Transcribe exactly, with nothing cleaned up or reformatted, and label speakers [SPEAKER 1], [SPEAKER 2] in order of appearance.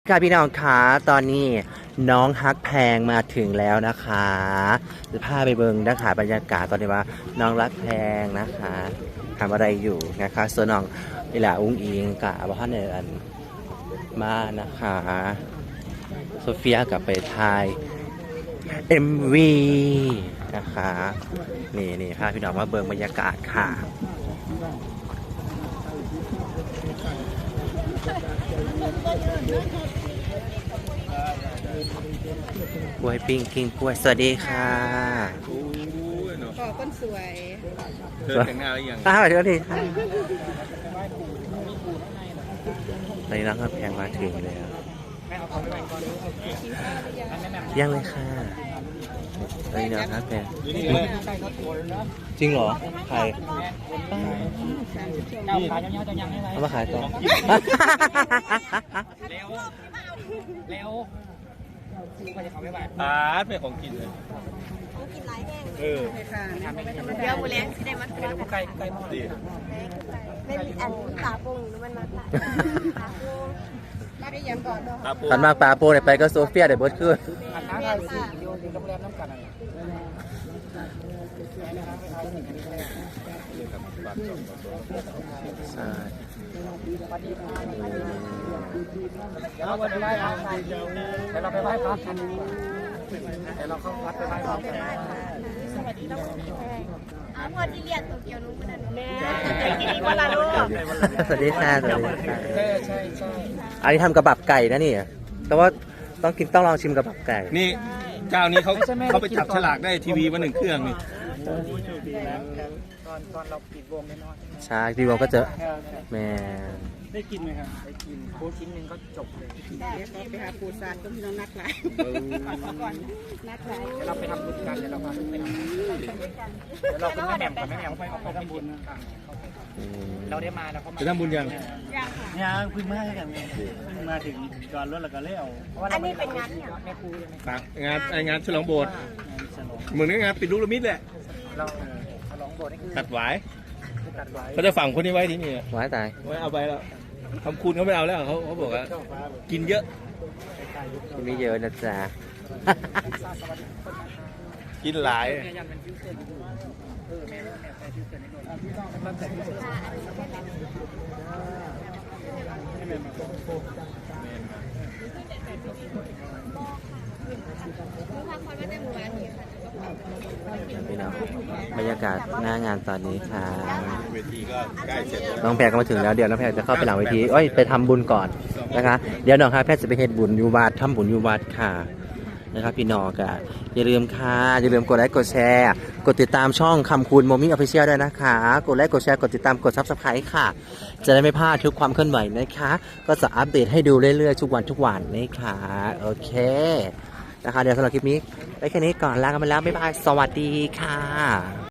[SPEAKER 1] ค่ะพี่น้องคะตอนนี้น้องฮักแพงมาถึงแล้วนะคะจะพาไปเบิงนะคะบรรยากาศตอนนี้ว่าน้องรักแพงนะคะทำอะไรอยู่นะคะส่วนน้องนี่แหละอุ้งอิงกับอาบ้านเอิญมานะคะโซเฟียกับไปถ่าย เอ็ม วี นะคะนี่นี่พาพี่น้องมาเบิงบรรยากาศค่ะกล้วยปิ้งกิ้งกล้วยสวัสดีค่ะ
[SPEAKER 2] ขอคนสวย
[SPEAKER 3] เธอแต่งหน้าหรือยัง
[SPEAKER 1] อ้าวสวัสดีค่ะตอนนี้น้องครับแพงมาถึงแล้วยังเลยค่ะตอนนี้น้องครับแพงจริงเหรอใครเอามาขายต่อ
[SPEAKER 3] แล้วอาร์ตเป็นของกินเลยเออ
[SPEAKER 2] เดี๋ยวมูเลี้ยงที่ได้มาทอด
[SPEAKER 3] ไก่ไก่หม้อดี
[SPEAKER 4] ไม่มีอันตาปุงหรือมันมาตาปุง
[SPEAKER 2] มาได้ยังก่อน
[SPEAKER 3] ตาปู
[SPEAKER 1] ขันมากปลาโปเนี่ยไปก็โซเฟียเดี๋ยวเบิร์ดขึ้น
[SPEAKER 4] เมียนค่ะ
[SPEAKER 1] ใช่
[SPEAKER 3] เดี๋ยวเราไปไหว้พระกันเดี๋ยวเราไปไหว้พระกันเดี๋ยวเราเข้าวัดไปไหว้พระกัน
[SPEAKER 4] อ๋อพอที่เรียกตัวเกียวนู้นมันแม่
[SPEAKER 2] กินอีกวันละลูก
[SPEAKER 1] สวัสดีค่ะสวัสดีค่ะ
[SPEAKER 3] ใช่ใช่ใช่
[SPEAKER 1] อันนี้ทำกระบับไก่นะนี่ แต่ว่าต้องกินต้องลองชิมกระบับไก่
[SPEAKER 3] นี่เจ้านี้เขาเขาไปจับฉลากได้ทีวีมาหนึ่งเครื่องนี่
[SPEAKER 5] ตอนตอนเราปิดวงแน่นอน
[SPEAKER 1] ใช่พี่วงก็เจอแม่
[SPEAKER 5] ได้กินไหมครับได้กินโค้ชิ้นหนึ่งก็จบเลย
[SPEAKER 2] ไปหาปูซานก็พี่น้องนักหลายก่อนนักหลาย
[SPEAKER 5] เดี๋ยวเราไปทำบุญกันเดี๋ยวเราไปทำบุญเดี๋ยวเราคุณแม่แหม่มกับแม่แหม่มไปไปทำบุญกัน
[SPEAKER 1] อืม
[SPEAKER 5] เราได้มาแล้วเขามา
[SPEAKER 3] จะทำบุญยัง
[SPEAKER 5] เนี่ยเพิ่งมากันเพิ่งมาถึงจอดรถแล้วก็เลี้ยว
[SPEAKER 4] อันนี้เป็นงานเนี่ย
[SPEAKER 5] แม่ครูใช่ไหม
[SPEAKER 3] ฝากงานไองานฉลองโบสถ์
[SPEAKER 5] ฉลอง
[SPEAKER 3] เหมือนงานปิดลูกละมิดแหละ
[SPEAKER 5] เราฉลองโบสถ์นี่คือ
[SPEAKER 3] ตัดหวาย
[SPEAKER 5] ตัดไว้
[SPEAKER 3] เขาจะฝังคนนี้ไว้ที่นี่
[SPEAKER 1] ไว้ตาย
[SPEAKER 3] ไม่เอาไปแล้วทำคุณเขาไม่เอาแล้วเขาเขาบอกว่ากินเยอะ
[SPEAKER 1] กินไม่เยอะนะจ๊ะ
[SPEAKER 3] กินหลาย
[SPEAKER 5] แม่ยันเป็นฟิวเจอร์เออแม่แม่แม่ฟิวเจอร์ในโน้ตมันแต่ฟิวเจอร์
[SPEAKER 1] พี่น้องบรรยากาศหน้างานตอนนี้ค่ะ
[SPEAKER 3] เวทีก็ใกล้เสร็จแล้ว
[SPEAKER 1] น้องแพรก็มาถึงแล้วเดี๋ยวน้องแพรจะเข้าไปหลังเวทีเอ้ยไปทำบุญก่อนนะคะเดี๋ยวน้องครับแพรจะไปเฮ็ดบุญอยู่วัดทำบุญอยู่วัดค่ะนะครับพี่น้องก็อย่าลืมค่ะอย่าลืมกดไลค์กดแชร์กดติดตามช่องคำคูณโมมี่ออฟฟิเชียลด้วยนะคะกดไลค์กดแชร์กดติดตามกดซับสไครต์ค่ะจะได้ไม่พลาดทุกความเคลื่อนไหวนะคะก็จะอัปเดตให้ดูเรื่อยๆทุกวันทุกวันนะคะโอเคนะคะเดี๋ยวสำหรับคลิปนี้ไปแค่นี้ก่อนลากันไปแล้วบ๊ายบายสวัสดีค่ะ